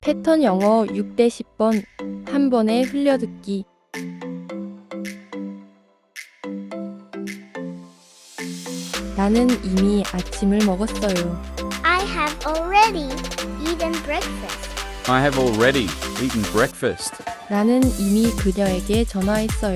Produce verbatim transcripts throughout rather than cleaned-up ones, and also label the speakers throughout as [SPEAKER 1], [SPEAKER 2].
[SPEAKER 1] 패턴 영어 육 대 십 번 한 번에 흘려듣기. 나는 이미 아침을 먹었어요.
[SPEAKER 2] I have already eaten breakfast.
[SPEAKER 3] I have already eaten breakfast.
[SPEAKER 1] 나는 이미 그녀에게 전화했어요.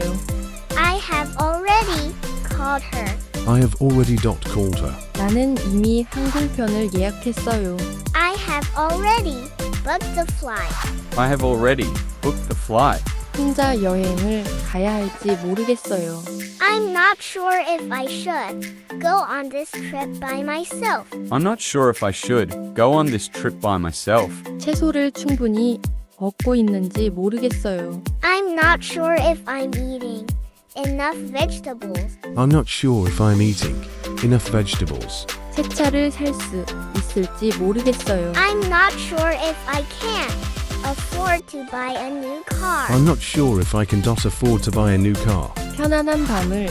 [SPEAKER 2] I have already called her.
[SPEAKER 4] I have already dot called her.
[SPEAKER 1] 나는 이미 항공편을 예약했어요.
[SPEAKER 2] I have already booked the flight.
[SPEAKER 3] I have already booked the flight.
[SPEAKER 1] 혼자 여행을 가야 할지 모르겠어요.
[SPEAKER 2] I'm not sure if I should go on this trip by myself.
[SPEAKER 3] I'm not sure if I should go on this trip by myself.
[SPEAKER 1] 채소를 충분히 먹고 있는지 모르겠어요.
[SPEAKER 2] I'm not sure if I'm eating enough vegetables.
[SPEAKER 4] I'm not sure if I'm eating enough vegetables.
[SPEAKER 1] 새 차를 살 수 있을지 모르겠어요.
[SPEAKER 2] I'm not sure if I can afford to buy a new car.
[SPEAKER 4] I'm not sure if I can dot afford to buy a new car.
[SPEAKER 1] 편안한 밤을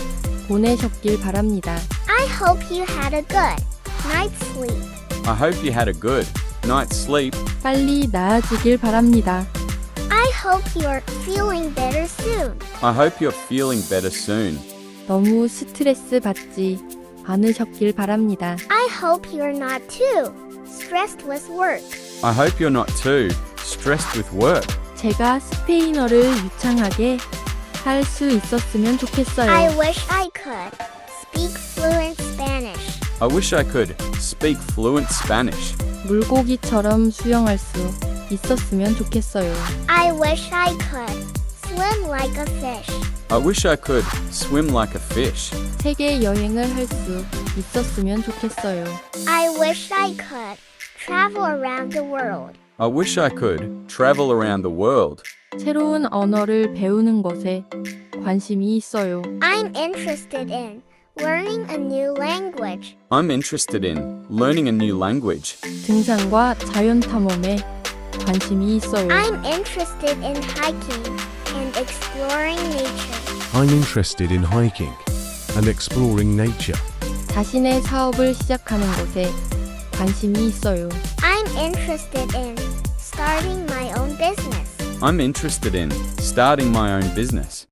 [SPEAKER 1] 보내셨길 바랍니다.
[SPEAKER 2] I hope you had a good night's sleep.
[SPEAKER 3] I hope you had a good night's sleep.
[SPEAKER 1] 빨리 나아지길 바랍니다.
[SPEAKER 2] I hope you're feeling better soon.
[SPEAKER 3] I hope you're feeling better soon.
[SPEAKER 1] 너무 스트레스 받지 않으셨길 바랍니다.
[SPEAKER 2] I hope you're not too stressed with work.
[SPEAKER 3] I hope you're not too stressed with work.
[SPEAKER 1] 제가 스페인어를 유창하게 할 수 있었으면 좋겠어요.
[SPEAKER 2] I wish I could speak fluent Spanish.
[SPEAKER 3] I wish I could speak fluent Spanish.
[SPEAKER 1] 물고기처럼 수영할 수 있었으면 좋겠어요.
[SPEAKER 2] I wish I could swim like a fish.
[SPEAKER 3] I wish I could swim like a fish.
[SPEAKER 1] 세계 여행을 할 수 있었으면 좋겠어요.
[SPEAKER 2] I wish I could travel around the world.
[SPEAKER 3] I wish I could travel around the world.
[SPEAKER 1] 새로운 언어를 배우는 것에 관심이 있어요.
[SPEAKER 2] I'm interested in learning a new language.
[SPEAKER 3] I'm interested in learning a new language.
[SPEAKER 1] 등산과 자연 탐험에 관심이 있어요.
[SPEAKER 2] I'm interested in hiking and exploring nature.
[SPEAKER 4] I'm interested in hiking and exploring nature.
[SPEAKER 1] 자신의 사업을 시작하는 것에 관심이 있어요.
[SPEAKER 2] I'm interested in starting my own business.
[SPEAKER 3] I'm interested in starting my own business.